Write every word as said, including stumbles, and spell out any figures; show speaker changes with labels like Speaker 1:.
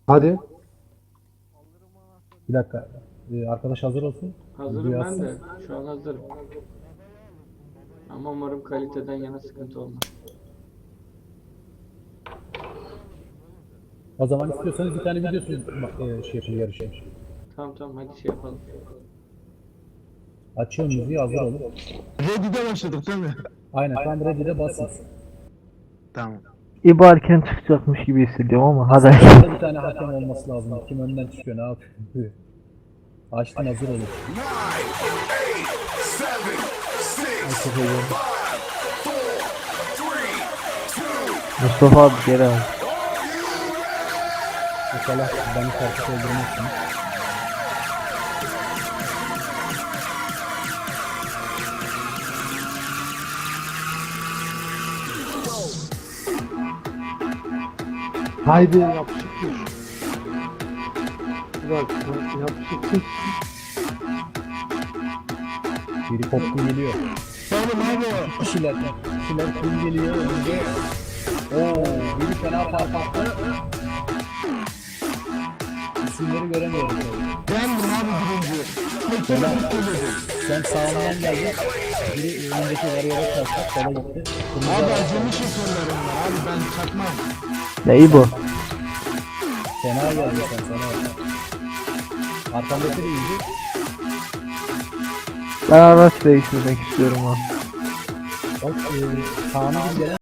Speaker 1: Hadi. Bir dakika. Ee, arkadaş hazır olsun.
Speaker 2: Hazırım
Speaker 1: Videoyu
Speaker 2: ben
Speaker 1: açsın.
Speaker 2: de. Şu an hazırım. Ama umarım kaliteden yana sıkıntı olmaz.
Speaker 1: O zaman istiyorsanız bir tane videosu e, şey yapın, yarışın.
Speaker 2: Tamam tamam hadi şey yapalım.
Speaker 1: Açıyorum müziği, hazır olun.
Speaker 3: Ready'de başladık değil mi?
Speaker 1: Aynen, tam ready'de basın.
Speaker 3: Tamam.
Speaker 4: İbo erken çıkacakmış gibi hissediyorum ama hadi.
Speaker 1: Aslında bir tane hakem olması lazım. Kim önden çıkıyor, ne yapıyor? Açtım, hazır olun.
Speaker 4: Mustafa abi geri al.
Speaker 1: İnşallah beni karşı öldürmezsin.
Speaker 5: Haydi yapışıktır. Bak yapışıktır.
Speaker 1: Biri koptu geliyor.
Speaker 3: Oğlum abi.
Speaker 1: Kişiler, kişiler kim geliyor önce? Oo, biri fena parpattı. İsimleri göremiyorum tabii.
Speaker 3: Bendim abi birinci. Tek
Speaker 1: Fena.
Speaker 3: tane söyledim.
Speaker 1: Sen sağından geldin. Biri önündeki varıyora çarptı, sola gitti. Kırmızı
Speaker 3: Abi
Speaker 1: araba
Speaker 3: acemi şoförlerim var abi ben çakmam.
Speaker 4: Ne İbo?
Speaker 1: fena geldi sen, sana. Arkamdaki de iyiydi.
Speaker 4: Ben araç değiştirmek istiyorum abi.
Speaker 1: Bak, e, Kaan'ın gelen